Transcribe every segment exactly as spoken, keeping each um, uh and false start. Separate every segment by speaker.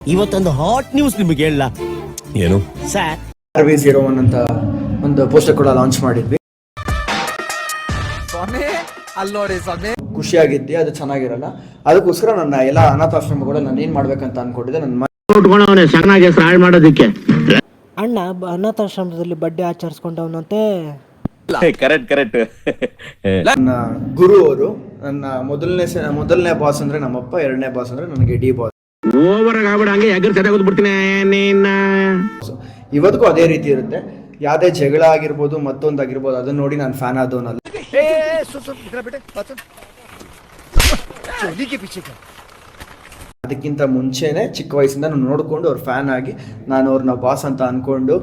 Speaker 1: ಇವತ್ತೊಂದು hot news ನಿಮಗೆ ಹೇಳ.
Speaker 2: ಏನು
Speaker 1: sir,
Speaker 3: R V zero one ಅಂತ ಒಂದು ಪೋಸ್ಟರ್ ಕೂಡ ಲಾಂಚ್ ಮಾಡಿದ್ವಿ. ಖುಷಿಯಾಗಿದ್ದೆ, ಅದು ಚೆನ್ನಾಗಿರಲ್ಲ. ಅದಕ್ಕೋಸ್ಕರ ನನ್ನ ಎಲ್ಲ ಅನಾಥಾಶ್ರಮ ಕೂಡ ನಾನು ಏನ್ ಮಾಡ್ಬೇಕಂತ ಅನ್ಕೊಂಡಿದ್ದೆ. ನನ್ನ
Speaker 4: ಮಾಡೋದಕ್ಕೆ
Speaker 5: ಅಣ್ಣ ಅನಾಥಾಶ್ರಮದಲ್ಲಿ ಬಡ್ಡೆ ಆಚರಿಸ್ಕೊಂಡವನಂತೆ.
Speaker 2: ಕರೆಕ್ಟ್ ಕರೆಕ್ಟ್
Speaker 3: ನನ್ನ ಗುರು ಅವರು, ನನ್ನ ಮೊದಲನೇ ಮೊದಲನೇ ಬಾಸ್ ಅಂದ್ರೆ ನಮ್ಮಪ್ಪ, ಎರಡನೇ ಬಾಸ್ ಅಂದ್ರೆ ನನಗೆ ಡಿ ಬಾಸ್. ಇವತ್ತಿಗೂ ಅದೇ ರೀತಿ ಇರುತ್ತೆ. ಯಾವ್ದೇ ಜಗಳ ಆಗಿರ್ಬೋದು, ಮತ್ತೊಂದಾಗಿರ್ಬೋದು, ಅದನ್ನ ನೋಡಿ ನಾನು ಫ್ಯಾನ್ ಆದವನಲ್ಲ. ಅದಕ್ಕಿಂತ ಮುಂಚೆನೆ ಚಿಕ್ಕ ವಯಸ್ಸಿಂದ ನಾನು ನೋಡ್ಕೊಂಡು ಅವ್ರ ಫ್ಯಾನ್ ಆಗಿ ನಾನು ಅವ್ರನ್ನ ಬಾಸ್ ಅಂತ ಅನ್ಕೊಂಡು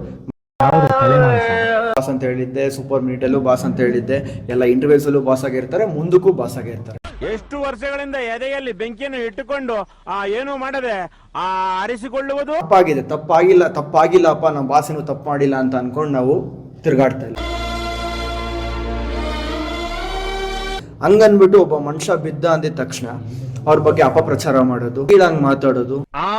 Speaker 3: ಬಾಸ್ ಅಂತ ಹೇಳಿದ್ದೆ. ಸೂಪರ್ ಮಿನಿಟಲ್ಲೂ ಬಾಸ್ ಅಂತ ಹೇಳಿದ್ದೆ. ಎಲ್ಲ ಇಂಟರ್ವ್ಯೂಸ್ ಅಲ್ಲೂ ಬಾಸ್ ಆಗಿರ್ತಾರೆ, ಮುಂದಕ್ಕೂ ಬಾಸ್ ಆಗಿರ್ತಾರೆ.
Speaker 4: ಎಷ್ಟು ವರ್ಷಗಳಿಂದ ಎದೆಯಲ್ಲಿ ಬೆಂಕಿಯನ್ನು ಇಟ್ಟುಕೊಂಡು ಆ ಏನು ಮಾಡದೆ ಆ ಆರಿಸಿಕೊಳ್ಳುವುದು
Speaker 3: ತಪ್ಪಾಗಿದೆ. ತಪ್ಪಾಗಿಲ್ಲ ತಪ್ಪಾಗಿಲ್ಲಪ್ಪ ನಮ್ಮ ಬಾಸ್ ಏನು ತಪ್ಪು ಮಾಡಿಲ್ಲ ಅಂತ ಅನ್ಕೊಂಡು ನಾವು ತಿರ್ಗಾಡ್ತಾ ಇಲ್ಲ. ಹಂಗನ್ಬಿಟ್ಟು ಒಬ್ಬ ಮನುಷ್ಯ ಬಿದ್ದ ಅಂದಿದ ತಕ್ಷಣ ಅವ್ರ ಬಗ್ಗೆ ಅಪಪ್ರಚಾರ ಮಾಡೋದು, ಕೀಳಂಗ್ ಮಾತಾಡೋದು,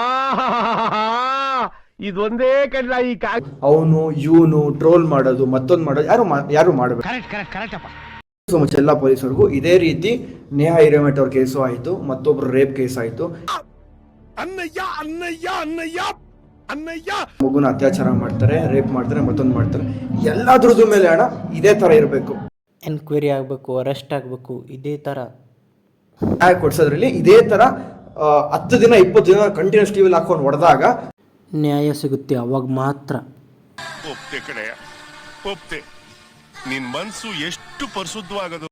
Speaker 4: ಇದೊಂದೇ ಕಡ್ಲ ಈ
Speaker 3: ಅವನು ಇವನು ಟ್ರೋಲ್ ಮಾಡೋದು, ಮತ್ತೊಂದು ಮಾಡೋದು ಯಾರು ಯಾರು ಮಾಡಬೇಕು. ಸೊ ಮಚ್ ಎಲ್ಲ ಪೊಲೀಸರಿಗೂ ಇದೇ ರೀತಿ ನೇಹಾ ಹಿರೇಮಠ ಅವ್ರ ಕೇಸು ಆಯ್ತು, ಮತ್ತೊಬ್ರು ರೇಪ್ ಕೇಸ್ ಆಯ್ತು, ಮಗುನ ಅತ್ಯಾಚಾರ ಮಾಡ್ತಾರೆ, ರೇಪ್ ಮಾಡ್ತಾರೆ, ಮತ್ತೊಂದು ಮಾಡ್ತಾರೆ. ಎಲ್ಲಾದ್ರದ್ದು ಮೇಲೆ ಹಣ ಇದೇ ತರ ಇರಬೇಕು.
Speaker 5: ಎನ್ಕ್ವೈರಿ ಆಗಬೇಕು, ಅರೆಸ್ಟ್ ಆಗಬೇಕು, ಇದೇ ಥರ
Speaker 3: ಕೊಡ್ಸೋದ್ರಲ್ಲಿ ಇದೇ ತರ ಹತ್ತು ದಿನ ಇಪ್ಪತ್ತು ದಿನ ಕಂಟಿನ್ಯೂಸ್ ಟಿವಿಲಿ ಹಾಕೊಂಡು ಹೊಡೆದಾಗ
Speaker 5: ನ್ಯಾಯ ಸಿಗುತ್ತೆ. ಅವಾಗ ಮಾತ್ರ
Speaker 6: ಒಪ್ತೆ ಕಡೆಯ ಒಪ್ತೆ. ನಿನ್ ಮನ್ಸು ಎಷ್ಟು ಪರಿಶುದ್ಧವಾಗದು.